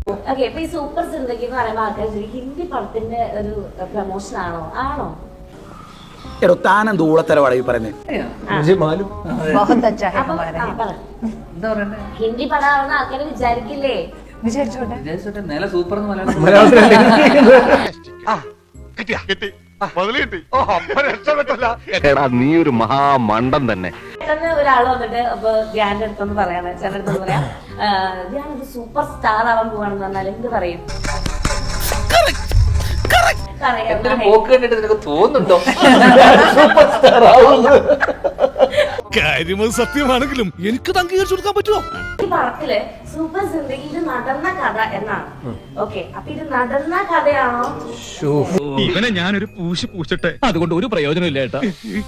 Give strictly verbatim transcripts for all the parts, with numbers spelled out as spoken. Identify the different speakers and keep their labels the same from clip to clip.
Speaker 1: Okay, ഇപ്പൊ ഈ super Zindagi എന്ന് പറയുമ്പോൾ ആൾക്കാർ ഹിന്ദി പടത്തിന്റെ ഒരു പ്രൊമോഷൻ ആണോ? ആണോ?
Speaker 2: എടോ താനെന്ത് ഊളത്തരവാടാ ഈ പറയുന്നത്?
Speaker 1: ഹിന്ദി പടമാണെന്ന് ആൾക്കാർ വിചാരിക്കില്ലേ?
Speaker 3: വിചാരിച്ചോട്ടെ. നില സൂപ്പർ
Speaker 4: നീ ഒരു മഹാമണ്ടൻ തന്നെ.
Speaker 1: പെട്ടെന്ന് ഒരാൾ വന്നിട്ട് അപ്പൊ ധ്യാന്റെ അടുത്തൊന്ന് പറയാണ്, ചേട്ടൻ്റെ അടുത്തൊന്ന് പറയാം, ധ്യാൻ ഒരു സൂപ്പർ സ്റ്റാർ ആവാൻ പോവാണെന്ന് പറഞ്ഞാൽ എന്ത് പറയും?
Speaker 3: തോന്നുന്നുണ്ടോ
Speaker 5: കാര്യം സത്യമാണെങ്കിലും എനിക്ക് അംഗീകരിച്ചു കൊടുക്കാൻ പറ്റുമോ?
Speaker 1: ഈ പടത്തില് സൂപ്പർ സിന്ദഗിയിൽ നടന്ന കഥ എന്നാണ്. ഓക്കെ, അപ്പൊ ഇത് നടന്ന കഥയാണോ?
Speaker 5: ഇവനെ ഞാനൊരു പൂശി പൂശട്ടെ, അതുകൊണ്ട് ഒരു പ്രയോജനം ഇല്ല ഏട്ടാ.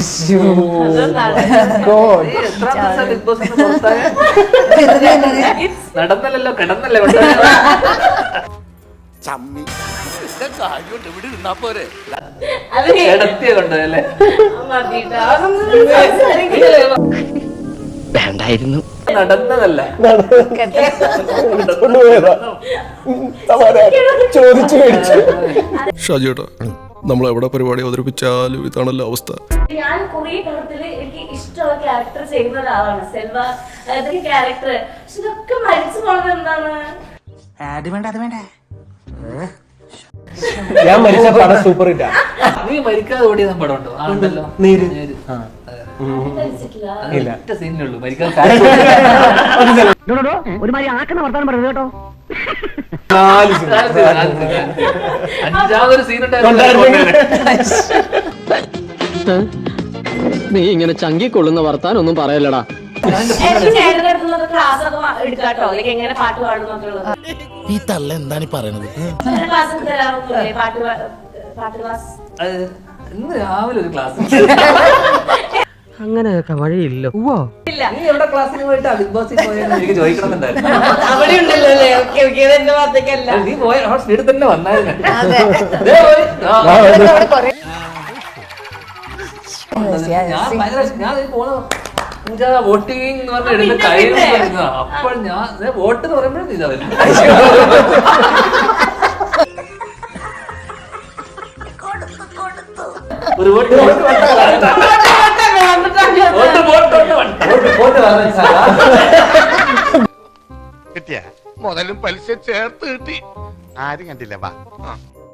Speaker 3: നടന്നല്ലോ, കിടന്നല്ലേ കിടത്തിയ കൊണ്ടല്ലേ
Speaker 4: വേണ്ടായിരുന്നു.
Speaker 3: നടന്നതല്ല,
Speaker 2: ചോദിച്ചു മേടിച്ചു.
Speaker 5: ഷാജിയേട്ടാ, നമ്മൾ എവിടെ പരിപാടി അവതരിപ്പിച്ചാലും ഇതാണല്ലോ അവസ്ഥ.
Speaker 1: ഞാൻ കുറെ പടത്തില് എനിക്ക് ഇഷ്ടമുള്ള ക്യാരക്ടർ ചെയ്യുന്ന ഒരാളാണ് സെൽവ. ഇതൊക്കെ ക്യാരക്ടർ, പക്ഷെ ഇതൊക്കെ മരിച്ചു പോണത് എന്താണ്?
Speaker 2: ഞാൻ മരിച്ച പടം സൂപ്പർ ഹിറ്റാ.
Speaker 3: നീ മരിക്കാതെ ഓടിയ പടം ഉണ്ടോ? ആണ്ടല്ലോ,
Speaker 2: നീര്.
Speaker 3: ഒറ്റ സീനിലുള്ളൂ മരിക്കാതെ.
Speaker 6: ഒരുമാതിരി ആക്കുന്ന വർത്താനം പറയുന്നത് കേട്ടോ.
Speaker 3: അഞ്ചാമതൊരു സീൻ
Speaker 6: നീ ഇങ്ങനെ ചങ്കിക്കൊള്ളുന്ന വർത്താനം ഒന്നും പറയല്ലടാ.
Speaker 1: ക്ലാസ് ഒക്കെ എടുക്കാട്ടോ, അല്ലെങ്കിൽ എങ്ങനെ പാട്ട് പാടുന്നൊക്കെയുള്ളത്.
Speaker 5: ഈ തള്ള എന്താണ് പറയണത്?
Speaker 1: ക്ലാസ് ഒക്കെ തരാറൊന്നുമില്ലേ? പാട്ട് പാട്ട് ക്ലാസ്
Speaker 3: ഇന്ന് രാവിലെ ഒരു ക്ലാസ്.
Speaker 6: അങ്ങനെയൊക്കെ വഴിയില്ല.
Speaker 3: നീ എവിടെ ക്ലാസ്സിന് പോയിട്ട് ബിഗ് ബോസിൽ പോയെന്ന് എനിക്ക് ചോദിക്കണമെന്നുണ്ടായിരുന്നു.
Speaker 1: അവിടെ ഉണ്ടല്ലോ അല്ലേ? ഓക്കെ ഓക്കെ, ഇതെന്റെ ഭാഗത്തേക്കല്ല.
Speaker 3: നീ പോയ ആ സ്പീഡിൽ തന്നെ വന്നായിരുന്നു. ഞാൻ ഭയങ്കര ഞാൻ പോണ വോട്ടിംഗ് എന്ന് പറഞ്ഞ എടുത്ത് കഴിയുന്ന അപ്പോൾ ഞാൻ വോട്ട് എന്ന് പറയുമ്പോഴും ഇതാ വരും. ഒരു വോട്ട്
Speaker 4: കിട്ടിയ മുതലും പലിശ ചേർത്ത് കിട്ടി. ആരും കണ്ടില്ല. വാ.